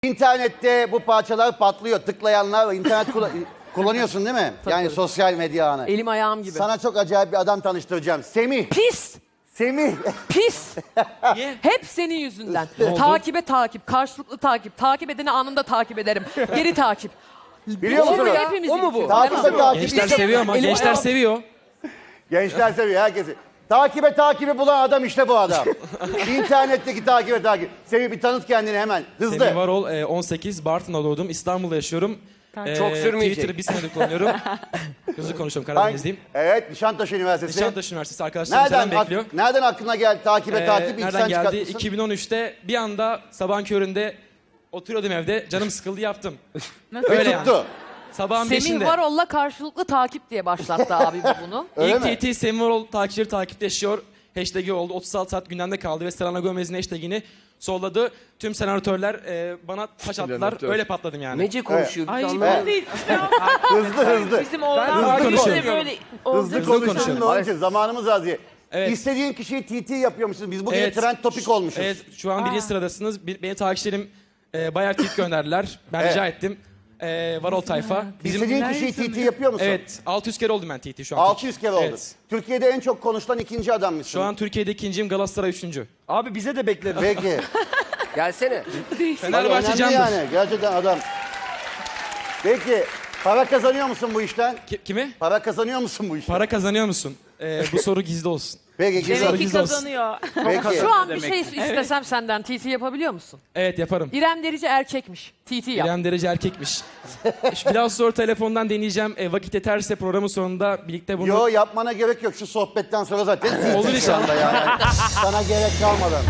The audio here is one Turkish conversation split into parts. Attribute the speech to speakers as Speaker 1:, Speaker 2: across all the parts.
Speaker 1: İnternette bu parçalar patlıyor. Tıklayanlar var. İnternet kullanıyorsun değil mi? Yani sosyal medya ağını.
Speaker 2: Elim ayağım gibi.
Speaker 1: Sana çok acayip bir adam tanıştıracağım. Semih.
Speaker 2: Pis.
Speaker 1: Semih.
Speaker 2: Pis. Hep senin yüzünden. Takibe takip, karşılıklı takip. Takip edeni anında takip ederim. Geri takip.
Speaker 1: Biliyor musun?
Speaker 2: Hepimizin
Speaker 3: O mu bu?
Speaker 2: yüzü.
Speaker 1: Takibe takip.
Speaker 4: Gençler seviyor ama gençler seviyor.
Speaker 1: Gençler seviyor herkesi. Takibi bulan adam işte bu adam. İnternetteki takip. Semih bir tanıt kendini hemen. Hızlı.
Speaker 4: Semih Varol, 18, Bartın'da doğdum. İstanbul'da yaşıyorum.
Speaker 3: Çok sürmeyecek.
Speaker 4: Twitter'ı bir senedir kullanıyorum. Hızlı konuşuyorum, Karadenizliyim.
Speaker 1: Evet, Nişantaşı Üniversitesi.
Speaker 4: Nişantaşı Üniversitesi arkadaşlarım selam bekliyor.
Speaker 1: Nereden aklına geldi takip? İlk
Speaker 4: Nereden
Speaker 1: sen
Speaker 4: geldi?
Speaker 1: çıkartmışsın.
Speaker 4: 2013'te bir anda sabahın köründe oturuyordum evde. Canım sıkıldı, yaptım.
Speaker 1: Ve tuttu.
Speaker 4: Sabahın
Speaker 2: Semih
Speaker 4: 5'inde.
Speaker 2: Varol'la karşılıklı takip diye başlattı abi bunu.
Speaker 1: Öyle mi?
Speaker 4: İlk TT Semih Varol takipçileri takipleşiyor. Hashtag'i oldu. 36 saat gündemde kaldı ve Selena Gomez'in hashtag'ini solladı. Tüm senatörler bana taş attılar. Öyle patladım yani.
Speaker 3: Nece konuşuyor.
Speaker 5: Ay
Speaker 3: Biz
Speaker 5: bu
Speaker 3: anlamadık.
Speaker 5: değil.
Speaker 1: Hızlı.
Speaker 5: Bizim oğlan
Speaker 4: Hızlı
Speaker 5: böyle
Speaker 4: konuşuyorum.
Speaker 1: Hızlı konuşalım da onun için zamanımız az diye.
Speaker 4: Evet.
Speaker 1: İstediğin kişiyi TT yapıyormuşsunuz. Biz bugün
Speaker 4: Evet.
Speaker 1: trend topik olmuşuz.
Speaker 4: Evet, şu an birinci sıradasınız. Benim takipçilerim bayağı tweet gönderdiler. Ben rica ettim. Varol tayfa.
Speaker 1: İstediğin kişiyi TT yapıyor musun?
Speaker 4: Evet, 600 kere oldum ben TT şu an.
Speaker 1: 600 kere oldu.
Speaker 4: Evet.
Speaker 1: Türkiye'de en çok konuşulan ikinci adammışsın.
Speaker 4: Şu an Türkiye'de ikinciyim, Galatasaray üçüncü.
Speaker 3: Abi bize de bekleriz.
Speaker 1: Peki.
Speaker 3: Gelsene.
Speaker 4: Fenerbahçe
Speaker 1: Önemli
Speaker 4: candır.
Speaker 1: yani. Gerçekten adam. Peki. Para kazanıyor musun bu işten?
Speaker 4: Kimi?
Speaker 1: Para kazanıyor musun bu işten?
Speaker 4: Para kazanıyor musun? Bu soru gizli olsun.
Speaker 1: Peki güzel.
Speaker 5: Demek ki
Speaker 4: Gizli olsun.
Speaker 5: kazanıyor.
Speaker 1: Peki.
Speaker 2: Şu an bir şey istesem senden TT yapabiliyor musun?
Speaker 4: Evet, yaparım.
Speaker 2: İrem Derici erkekmiş. TT yap.
Speaker 4: İrem Derece erkekmiş. Biraz sonra telefondan deneyeceğim. Vakit yeterse programın sonunda birlikte bunu...
Speaker 1: Yo yapmana gerek yok. Şu sohbetten sonra zaten
Speaker 4: Olur
Speaker 1: TT şu
Speaker 4: inşallah.
Speaker 1: anda yani. Sana gerek kalmadan.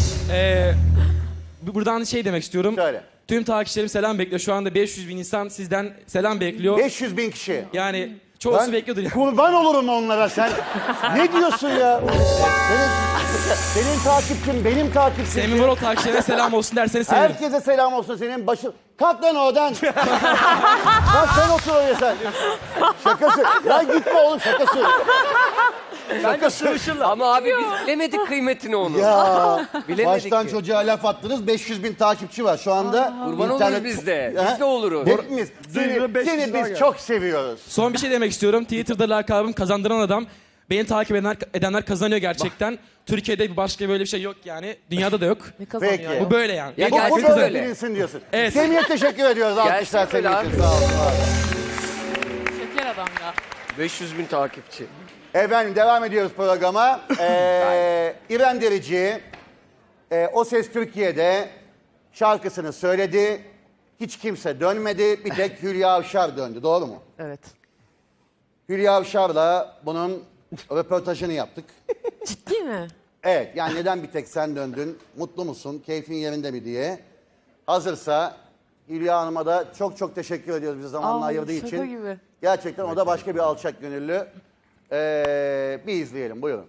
Speaker 4: Buradan şey demek istiyorum.
Speaker 1: Söyle.
Speaker 4: Tüm takipçilerim selam bekliyor. Şu anda 500 bin insan sizden selam bekliyor.
Speaker 1: 500 bin kişi.
Speaker 4: Yani çoğusu
Speaker 1: Ben
Speaker 4: bekliyordur ya.
Speaker 1: kurban olurum onlara sen. Ne diyorsun ya? Senin takipçin, benim takipçim.
Speaker 4: Semih Varol takipçilerine selam olsun derseniz sevinirim.
Speaker 1: Herkese selam olsun senin başın. Kalk lan oradan. Kalk sen otur oraya sen. Şakası. Ya gitme oğlum şakası. Şakası.
Speaker 3: Ama abi biz bilemedik kıymetini onu.
Speaker 1: Ya
Speaker 3: Bilemedik
Speaker 1: baştan
Speaker 3: ki.
Speaker 1: çocuğa laf attınız. 500 bin takipçi var şu anda.
Speaker 3: Kurban oluruz biz de.
Speaker 1: Ha?
Speaker 3: Biz de oluruz.
Speaker 1: Hepimiz. Seni biz çok seviyoruz.
Speaker 4: Son bir şey demek istiyorum. Twitter'da lakabım kazandıran adam. Beni takip edenler kazanıyor gerçekten. Türkiye'de başka böyle bir şey yok yani. Dünyada da yok.
Speaker 2: Ne kazanıyor?
Speaker 1: Peki.
Speaker 2: ya?
Speaker 4: Bu böyle yani.
Speaker 3: Ya
Speaker 1: Bu
Speaker 3: gelsin
Speaker 1: böyle
Speaker 3: öyle.
Speaker 1: bilinsin diyorsun.
Speaker 4: Evet.
Speaker 1: Semih'e teşekkür ediyoruz. Alkışlar
Speaker 3: Gelsin öyle
Speaker 1: Semih için.
Speaker 3: abi.
Speaker 1: Sağ olun.
Speaker 2: Şeker adam ya.
Speaker 3: 500 bin takipçi.
Speaker 1: Efendim devam ediyoruz programa. İrem Derici, O Ses Türkiye'de şarkısını söyledi. Hiç kimse dönmedi. Bir tek Hülya Avşar döndü. Doğru mu?
Speaker 2: Evet.
Speaker 1: Hülya Avşar'la bunun röportajını yaptık.
Speaker 2: Ciddi mi?
Speaker 1: Evet, yani neden bir tek sen döndün? Mutlu musun? Keyfin yerinde mi diye. Hazırsa Hülya Hanım'a da çok çok teşekkür ediyoruz bize zamanla
Speaker 2: Ay,
Speaker 1: ayırdığı
Speaker 2: şaka
Speaker 1: için.
Speaker 2: gibi.
Speaker 1: Gerçekten o da başka bir alçak gönüllü. Bir izleyelim, buyurun.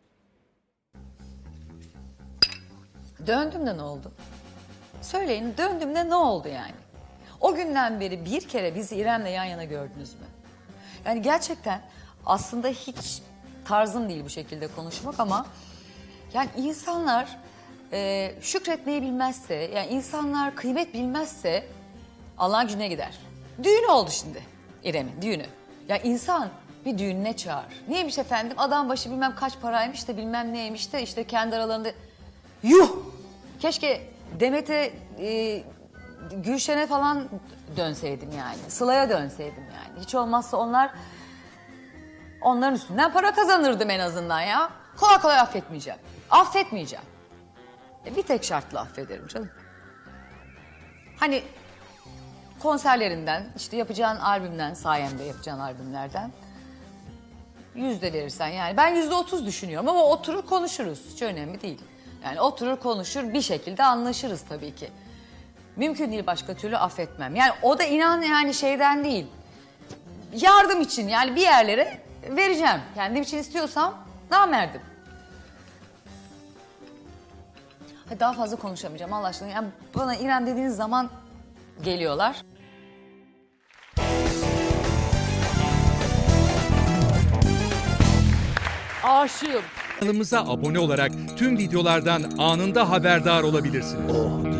Speaker 6: Döndüm de ne oldu? Söyleyin, döndüm de ne oldu yani? O günden beri bir kere bizi İrem'le yan yana gördünüz mü? Yani gerçekten aslında hiç tarzım değil bu şekilde konuşmak ama yani insanlar şükretmeyi bilmezse, yani insanlar kıymet bilmezse Allah'ın gücüne gider. Düğünü oldu şimdi İrem'in düğünü. Ya insan bir düğününe çağır. Neymiş efendim? Adam başı bilmem kaç paraymış da bilmem neymiş de işte kendi aralarında... Yuh! Keşke Demet'e, Gülşen'e falan dönseydim yani. Sıla'ya dönseydim yani. Hiç olmazsa onların üstünden para kazanırdım en azından ya. Kolay kolay affetmeyeceğim. Affetmeyeceğim. Bir tek şartla affederim canım. Hani konserlerinden, işte yapacağın albümden, sayemde yapacağın albümlerden 100 de verirsen yani. Ben %30 düşünüyorum ama oturur konuşuruz. Hiç önemli değil. Yani oturur konuşur bir şekilde anlaşırız tabii ki. Mümkün değil başka türlü affetmem. Yani o da inan yani şeyden değil. Yardım için yani bir yerlere vereceğim. Kendim için istiyorsam namerdim. Hadi daha fazla konuşamayacağım Allah aşkına. Yani bana İrem dediğiniz zaman geliyorlar.
Speaker 2: Aşığım.
Speaker 7: Kanalımıza abone olarak tüm videolardan anında haberdar olabilirsiniz.